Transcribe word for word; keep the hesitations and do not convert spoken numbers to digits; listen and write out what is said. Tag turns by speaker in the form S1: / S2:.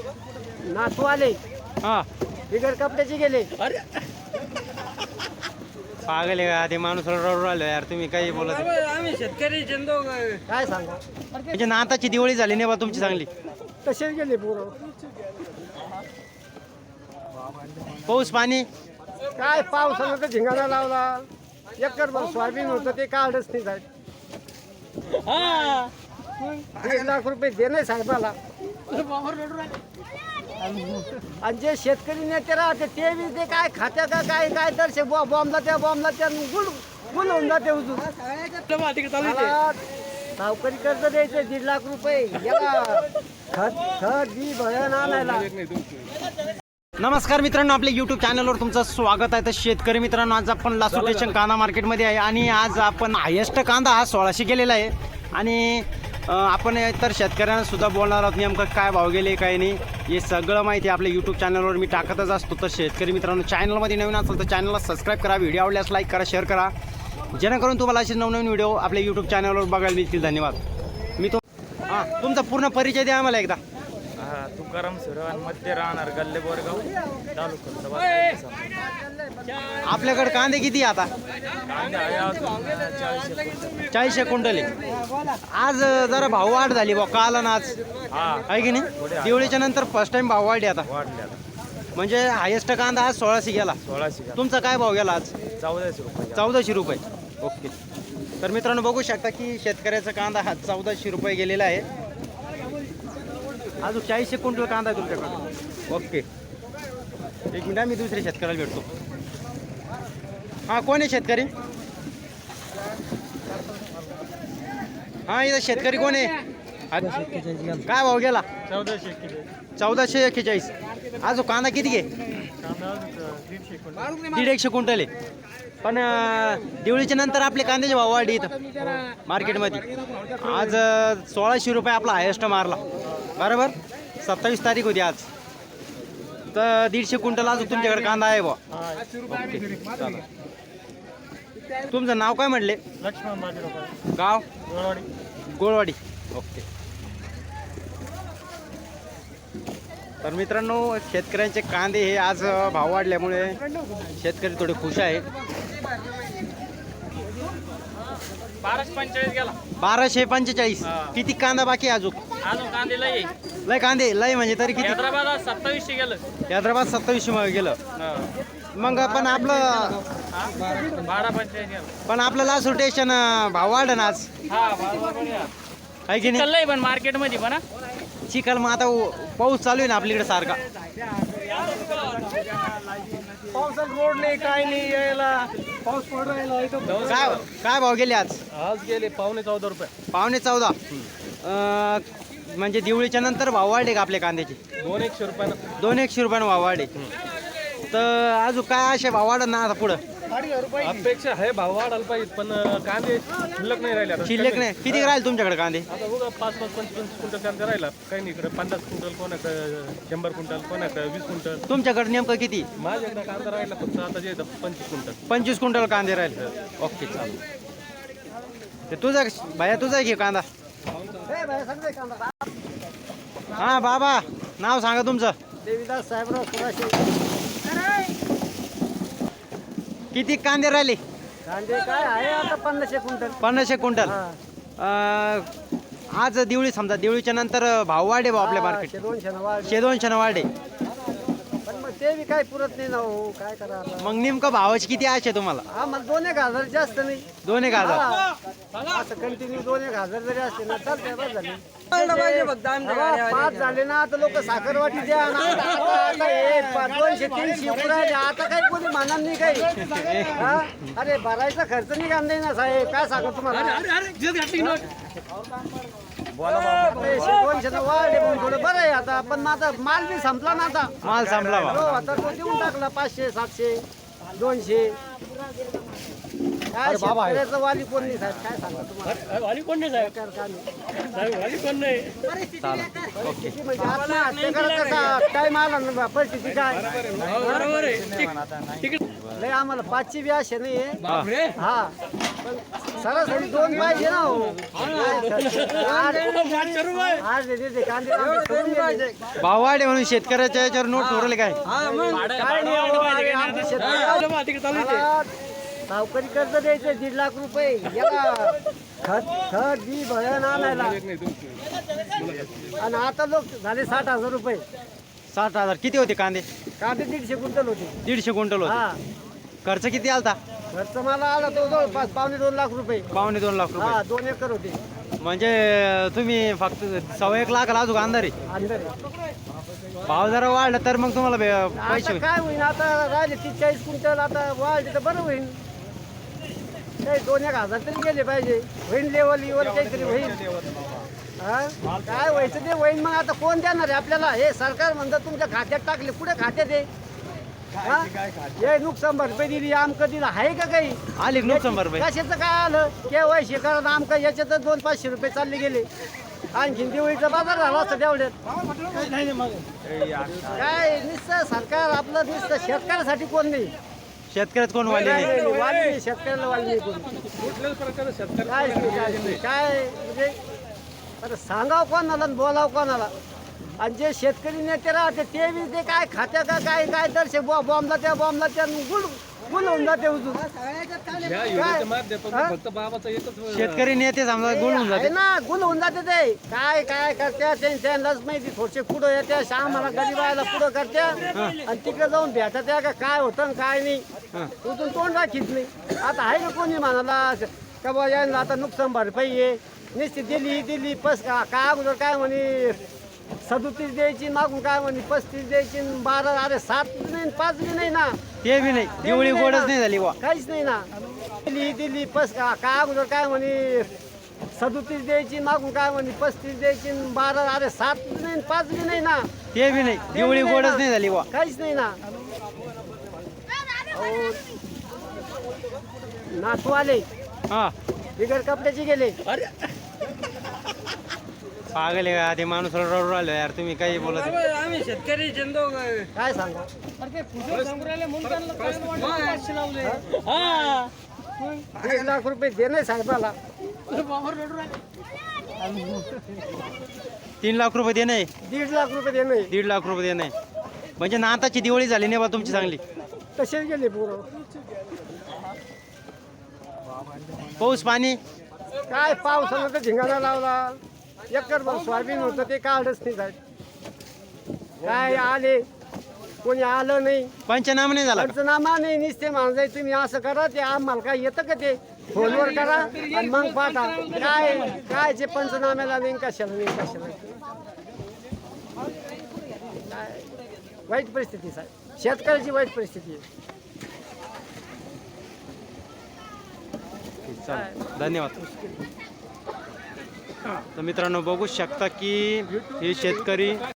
S1: नातू आले
S2: हा
S1: बिगर कपड्याचे गेले.
S2: अरे पागल आहे का ते माणूस रडू राहिलो यार तुम्ही काही बोलत आहे.
S3: आम्ही शेतकरी चंदो
S1: काय सांगा
S2: म्हणजे नाताची दिवाळी झाली नाही बा तुमची चांगली.
S1: तसेच गेले पोरं.
S2: पाऊस पाणी
S1: काय पावसानं तर झिंगाणा लावला. एकर भर सोयाबीन होतं ते काढच नाही साहेब. दीड लाख रुपये दे नाही साहेबाला. आणि जे शेतकरी नेते राहते ते बी ते काय खात्या का काय काय तर बॉम्बला त्या बॉम्बला त्या गुल गुल होऊन जाते उजून. मला सावकारी कर्ज द्यायचे दीड लाख रुपये याला खत खत बी भरण आणायला.
S2: नमस्कार मित्रांनो, आपल्या यूट्यूब चॅनलवर तुमचं स्वागत आहे. तर शेतकरी मित्रांनो, आज आपण लासूर स्टेशन कांदा मार्केटमध्ये आहे आणि आज आपण हायेस्ट कांदा हा सोळाशे गेलेला आहे. आणि आपण तर शेतकऱ्यांना सुद्धा बोलणार आहोत नेमकं काय भाव गेले काय नाही हे सगळं माहिती आपल्या यूट्यूब चॅनलवर मी टाकतच असतो. तर शेतकरी मित्रांनो, चॅनलमध्ये नवीन असेल तर चॅनलला सबस्क्राईब करा, व्हिडिओ आवडल्यास लाईक करा, शेअर करा, जेणेकरून तुम्हाला असे नवनवीन व्हिडिओ आपल्या यूट्यूब चॅनलवर बघायला मिळतील. धन्यवाद. मी तो हां तुमचा पूर्ण परिचय द्या आम्हाला एकदा.
S3: तुकाराम सुरवान मध्ये राहणार गल्ले बोरगाव तालुका.
S2: आपल्याकडे कांदे किती आता? चाळीसशे क्विंटल आहे. आज जरा भाव वाढ झाली बा काल आणि आज आहे की नाही. दिवाळीच्या नंतर फर्स्ट टाइम भाव वाढले आता. म्हणजे हायेस्ट कांदा आज सोळाशे गेला.
S3: सोळाशे
S2: तुमचा काय भाव गेला आज?
S3: चौदाशे रुपये.
S2: चौदाशे रुपये. ओके. तर मित्रांनो बघू शकता की शेतकऱ्याचा कांदा हा चौदाशे रुपये गेलेला आहे. अजून चाळीसशे क्विंटल कांदा आहे तुमच्याकडे. ओके, एक मिनिट मी दुसऱ्या शेतकऱ्याला भेटतो. हां कोण आहे शेतकरी? हां इथं शेतकरी कोण आहे? काय भाव गेला?
S3: चौदाशे
S2: चौदाशे एक्केचाळीस. अजून कांदा किती घे? दीड एकशे क्विंटल आहे. पण दिवाळीच्या नंतर आपले कांद्याचे भाव वाढले इथं मार्केटमध्ये. आज सोळाशे रुपये आपला हायेस्ट मारला बरोबर. सत्तावीस तारीख होती आज. तर दीडशे क्विंटल अजून तुमच्याकडे कांदा आहे बा. ओके. तुमचं नाव काय म्हटले?
S3: लक्ष्मण बाजीराव.
S2: गाव?
S3: गोळवाडी.
S2: गोळवाडी. ओके. तर मित्रांनो, शेतकऱ्यांचे कांदे हे आज भाव वाढल्यामुळे शेतकरी थोडे खुश आहे.
S3: बाराशे पंचेचाळीस गेला.
S2: बाराशे पंचेचाळीस. किती कांदा बाकी अजून?
S3: अजून कांदे लय
S2: लय कांदे लय म्हणजे तरी किती?
S3: हैदराबाद सत्तावीसशे गेलं.
S2: हैदराबाद सत्तावीसशे मध्ये गेलं. मग पण आपलं
S3: बारा पंचेचाळीस गेलं.
S2: पण आपलं लासूर स्टेशन भाव वाढ ना आज
S3: हा
S2: आहे की नाही.
S3: लय पण मार्केटमध्ये पण
S2: चिखल मग आता पाऊस चालू आहे ना आपल्याकडे सारखा.
S1: पावसात रोड नाही काय नाही यायला. पाऊस पडून राहिला इथं.
S2: काय काय भाव गेले आज?
S3: आज गेले पावणे चौदा रुपये.
S2: पावणे चौदा. अं, म्हणजे दिवाळीच्या नंतर भाव वाढले का आपल्या कांद्याचे?
S3: दोन एकशे रुपयानं.
S2: दोन एकशे रुपयानं भाव वाढले. तर अजून काय असे भाव वाढत ना आता पुढं?
S3: अपेक्षा आहे भाव वाढायला पाहिजे पण कांदे शिल्लक नाही राहिले.
S2: शिल्लक नाही. किती राहील तुमच्याकडे कांदे?
S3: आता बघा पाच पाच पंचवीस क्विंटल कांदा राहिला. काही नाही इकडे पन्नास क्विंटल कोणाकडे शंभर क्विंटल कोणाकडे वीस क्विंटल.
S2: तुमच्याकडे नेमकं किती?
S3: माझ्याकडे कांदा राहिला फक्त आता जे पंचवीस क्विंटल.
S2: पंचवीस क्विंटल कांदे राहिले. ओके चालेल. ते तुझा भाया तुझा घे कांदा. हा बाबा नाव सांगा तुमचं?
S1: देवीदास साहेबराव सुराशे.
S2: किती कांदे राहिले?
S1: कांदे काय आहे आता पन्नासशे क्विंटल.
S2: पन्नासशे क्विंटल. आज दिवाळी समजा दिवाळीच्या नंतर भाव वाढे भाऊ आपल्या मार्केट.
S1: दोनशे वाढ
S2: शे दोनशे वाढे.
S1: पण मग ते बी काय पुरत नाही ना हो. काय करा
S2: मग नेमकं भावाची किती आशे तुम्हाला?
S1: हा मग दोन एक हजार जास्त नाही.
S2: दोन एक हजार.
S1: हा. असं कंटिन्यू दोन एक हजार जरी असते ना चालतंय. बस झाले हा, पाच झाले ना आता लोक साखरवाटी द्या ना. आता आता हे पा- दोनशे तीनशे उकडायचे. आता काही कोणी मानणार नाही काही. हा? अरे भरायचा खर्च नाही कांदा ना साहेब. काय सांगू तुम्हाला? दोनशे वाढले पण थोडं बरं आहे आता. पण माझा माल बी संपला ना आता.
S2: माल संपला बा.
S1: हो आता तो देऊन टाकला. पाचशे सातशे दोनशे. काय शेतकऱ्याचं वाली कोण नाही साहेब. काय सांगा तुम्हाला?
S3: वाली कोण नाही साहेब? वाली कोण नाही.
S1: किती म्हणजे आत्महत्या करा कसा टाइम आला ना परिस्थिती काय.
S3: बरोबर आहे.
S1: लय आम्हाला पाचशे बी असे नाही
S2: हा.
S1: हा सरासरी दोन पाहिजे ना हो. आज आज देते कांदे आमचे सोडून गेले.
S2: भाव वाढे म्हणून शेतकऱ्याच्या याच्यावर नोट ठरवले काय
S1: काय नाही हो, अरे आमचे शेतकरी- मला सावकारी कर्ज द्यायचं दीड लाख रुपये याला खत खत बी भरण आणायला आणि आता लोक झाले साठ हजार रुपये.
S2: साठ हजार किती होते कांदे?
S1: कांदे दीडशे क्विंटल होते.
S2: दीडशे क्विंटल होते.
S1: हा
S2: खर्च किती आलता?
S1: खर्च मला आला तो जवळपास पावणे दोन लाख रुपये.
S2: पावणे दोन लाख
S1: हा
S2: रुपये.
S1: दोन एकर होते
S2: म्हणजे तुम्ही फक्त सव्वा एक लाख अजून अंधारे
S1: अंदर.
S2: भाव जरा वाढला तर मग तुम्हाला बे- पैसे
S1: आता
S2: होईल.
S1: काय होईल आता राहिले तीस चाळीस क्विंटल आता वाढले तर बरं होईल. काही दोन एक हजार तरी गेले पाहिजे. होईल लेवल लेवल काहीतरी होईल. हा काय व्हायचं ते होईल. मग आता कोण देणार आहे आपल्याला? हे सरकार म्हणतं तुमच्या खात्यात टाकले. कुठे खात्यात आहे? हा? हे नुकसान भरपाई दिली आमकं दिलं आहे का काही?
S2: आली का नुकसान भरपाई?
S1: कशाचं काय आलं? केवायसी करा आमकं याच्यात दोन पाचशे रुपये चालले गेले. आणखीन दिवाळीचा बाजार झाला असता तेवढ्यात. काय नुसतं सरकार आपलं नुसतं शेतकऱ्यासाठी कोण नाही.
S2: शेतकऱ्यात कोण वाढले
S1: काय
S2: नाही?
S1: नाही, वाली नाही, शेतकऱ्याला वाली नाही कोणी.
S3: कुठल्याच प्रकारे शेतकरी
S1: काय नाही, काय नाही. काय म्हणजे अरे सांगाव कोणाला आणि बोलाव कोणाला? आणि जे शेतकरी नेते राहते ते बी ते काय खात्या का काय काय दर्शक बॉम्बला त्या बॉम्बला त्या गुल गुल होऊन जाते उजून.
S3: या योजनेच्या माध्यमातून
S1: हा?
S3: फक्त बाबाचा एकच
S2: शेतकरी नेते समजा गुण होऊन
S1: आहे
S2: जाते.
S1: ना गुल होऊन जाते ते. काय काय करत्या त्यांनाच माहिती. थोडसे पुढं येत्या आम्हाला गरीबाला पुढं करत्या आणि तिकडे जाऊन भेटा त्या का काय होतं आणि काय नाही. उजून तोंड राखीत नाही. आता आहे ना कोणी म्हणाला का बा यांना आता नुकसान भरपाई आहे निश्चित दिली दिली पस का काय अगोदर काय म्हणे सदोतीस द्यायची मागून काय म्हणे पस्तीस द्यायची आणि बारा अरे सात बी नाही पाच बी नाही ना.
S2: ते बी नाही.
S1: ते
S2: दिवाळी
S1: बी नाही
S2: गोडच
S1: ना.
S2: नाही झाली वा.
S1: काहीच नाही ना. दिली दिली पस का काय अगोदर काय म्हणे सदोतीस द्यायची मागून काय म्हणे पस्तीस द्यायची आणि बारा अरे सात बी नाही पाच बी नाही ना.
S2: ते बी नाही.
S1: ते बी
S2: दिवाळी
S1: नाही
S2: गोडच
S1: ना.
S2: नाही झाली वा.
S1: काहीच नाही ना. अहो, नातू आले
S2: हा
S1: बिगर कपड्याचे गेले.
S2: पागल आहे का ते माणूस रडू राहिलो यार. तुम्ही काही बोलत नाही.
S4: आम्ही शेतकरी चंदो
S1: काय सांगा दीड लाख रुपये दे नाही साहेबाला.
S2: तीन लाख रुपये दे नाही.
S1: दीड लाख रुपये दे नाही.
S2: दीड लाख रुपये दे नाही. म्हणजे नाताची दिवाळी झाली नाही बा तुमची चांगली.
S1: तसेच गेले पोरं.
S2: पाऊस पाणी
S1: काय पावसानं तर झिंगाणा लावला. एकर भर सोयाबीन होतं ते काढच नाही साहेब. काय आले कोणी आलं नाही.
S2: पंचनामा नाही झाला का?
S1: पंचनामा नाही. निसते माणसाय तुम्ही असं करा ते आम्हाला काय येतं का ते फोनवर करा आणि मग पाठा. काय काय जे पंचनाम्याला नाही कशाला नाही कशाला काय वाईट परिस्थिती साहेब. शेतकऱ्याची वाईट परिस्थिती आहे.
S2: चालेल. धन्यवाद. तर मित्रांनो बघू शकता की हे शेतकरी